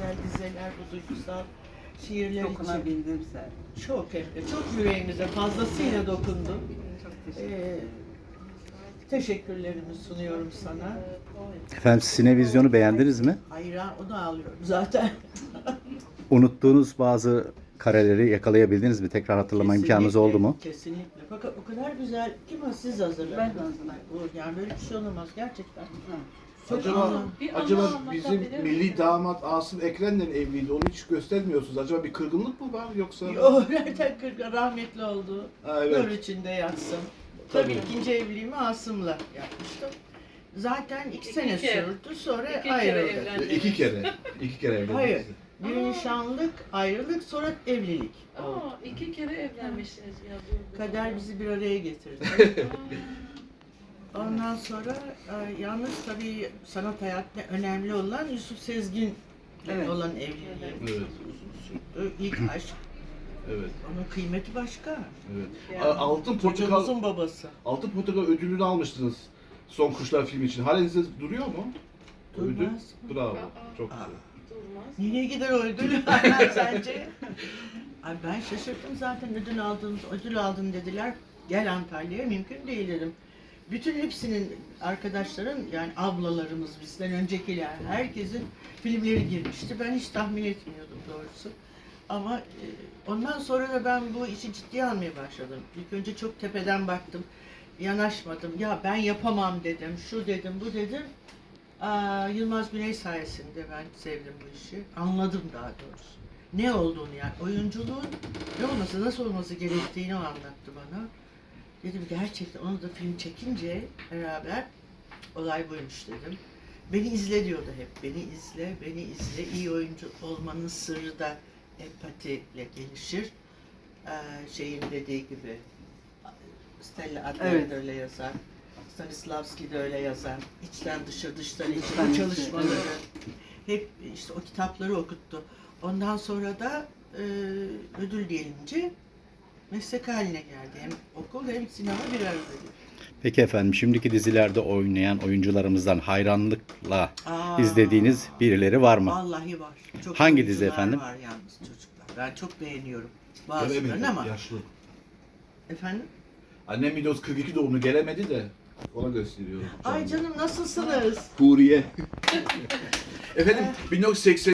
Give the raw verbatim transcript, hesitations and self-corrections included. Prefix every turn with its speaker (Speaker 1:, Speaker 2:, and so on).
Speaker 1: güzel dizeler, bu duygusal şiirler için.
Speaker 2: Dokunabildim sen.
Speaker 1: Çok hem de, çok yüreğimize fazlasıyla dokundun.
Speaker 2: Çok teşekkür
Speaker 1: Ee,
Speaker 2: ederim.
Speaker 1: teşekkürlerimi sunuyorum sana.
Speaker 3: Efendim Sinevizyon'u beğendiniz mi?
Speaker 1: Hayra, onu alıyorum zaten.
Speaker 3: Unuttuğunuz bazı kareleri yakalayabildiniz mi? Tekrar hatırlama imkanınız oldu mu?
Speaker 1: Kesinlikle. Fakat o kadar güzel ki ama siz hazırladınız.
Speaker 2: Ben de hazırladım.
Speaker 1: Bu- Yani böyle bir şey olamaz gerçekten.
Speaker 2: Ha.
Speaker 1: Çok
Speaker 4: Acaba,
Speaker 1: anlam-
Speaker 5: Bir
Speaker 4: acaba
Speaker 5: anlam
Speaker 4: bizim
Speaker 5: anlatabilir
Speaker 4: milli
Speaker 5: misin?
Speaker 4: damat Asım Ekren'le mi evliydi? Onu hiç göstermiyorsunuz. Acaba bir kırgınlık mı var yoksa?
Speaker 1: O nereden kırk rahmetli oldu.
Speaker 4: Ha, evet.
Speaker 1: Nur içinde yatsın. Tabii
Speaker 4: Tabii.
Speaker 1: ikinci evliliğimi Asım'la yapmıştım. Zaten iki,
Speaker 5: İki
Speaker 1: sene
Speaker 5: kere.
Speaker 1: sürdü, sonra
Speaker 5: İki kere
Speaker 1: ayrıldık.
Speaker 5: evlendiniz.
Speaker 4: İki kere. İki kere evlendiniz.
Speaker 1: Hayır. Bir nişanlık, ayrılık, sonra evlilik oldu.
Speaker 5: Aa, iki kere evlenmişsiniz ya. bu- bu-
Speaker 1: Kader bizi bir araya getirdi. Ondan sonra e, yalnız tabii sanat hayatında önemli olan Yusuf Sezgin'le
Speaker 2: Evet.
Speaker 1: olan evliliğim.
Speaker 4: Evet.
Speaker 1: Uzun sürdü. İlk aşk.
Speaker 4: Evet.
Speaker 1: Onun kıymeti başka.
Speaker 4: Evet.
Speaker 5: Yani
Speaker 4: A- Altın Portakal,
Speaker 1: Çocuğumuzun babası.
Speaker 4: Altın Portakal ödülünü almıştınız. Son Kuşlar filmi için. Halinizde duruyor mu? O ödül?
Speaker 1: Durmaz.
Speaker 4: Bravo.
Speaker 5: Aa.
Speaker 4: Çok
Speaker 1: Aa.
Speaker 4: güzel.
Speaker 5: Durmaz.
Speaker 1: Nereye gider o ödül sence? Ay ben şaşırdım zaten ödül aldın, ödül aldın dediler. Gel Antalya'ya, mümkün değil dedim. Bütün hepsinin arkadaşların, yani ablalarımız, bizden öncekiler, herkesin filmleri girmişti. Ben hiç tahmin etmiyordum doğrusu. Ama e, ondan sonra da ben bu işi ciddiye almaya başladım. İlk önce çok tepeden baktım, yanaşmadım. Ya ben yapamam dedim, şu dedim, bu dedim. Aa, Yılmaz Güney sayesinde ben sevdim bu işi. Anladım daha doğrusu. Ne olduğunu yani, oyunculuğun ne olması, nasıl olması gerektiğini o anlattı bana. Dedim gerçekten onu da film çekince beraber olay buymuş dedim. Beni izle diyordu hep. Beni izle, beni izle. İyi oyuncu olmanın sırrı da empatiyle gelişir. Ee, şeyin dediği gibi. Stella Adler
Speaker 2: Evet.
Speaker 1: de öyle yazar. Stanislavski de öyle yazar. İçten dışa, dıştan içe
Speaker 2: Dıştan
Speaker 1: bu
Speaker 2: içe,
Speaker 1: çalışmaları.
Speaker 2: evet.
Speaker 1: Hep işte o kitapları okuttu. Ondan sonra da e, ödül gelince meslek haline geldi. Hem okul hem sinema bir arada.
Speaker 3: Peki efendim şimdiki dizilerde oynayan oyuncularımızdan hayranlıkla
Speaker 1: Aa,
Speaker 3: izlediğiniz birileri var mı?
Speaker 1: Vallahi var. Çok
Speaker 3: Hangi
Speaker 1: oyuncular
Speaker 3: dizi efendim?
Speaker 1: var yalnız çocuklar. Ben çok beğeniyorum bazılarını
Speaker 4: Gelemedi.
Speaker 1: ama.
Speaker 4: Yaşlı.
Speaker 1: Efendim?
Speaker 4: Annem Midos kırk iki doğumlu gelemedi de ona gösteriyorum.
Speaker 1: Ay canım nasılsınız?
Speaker 4: Huriye. Efendim bin dokuz yüz seksen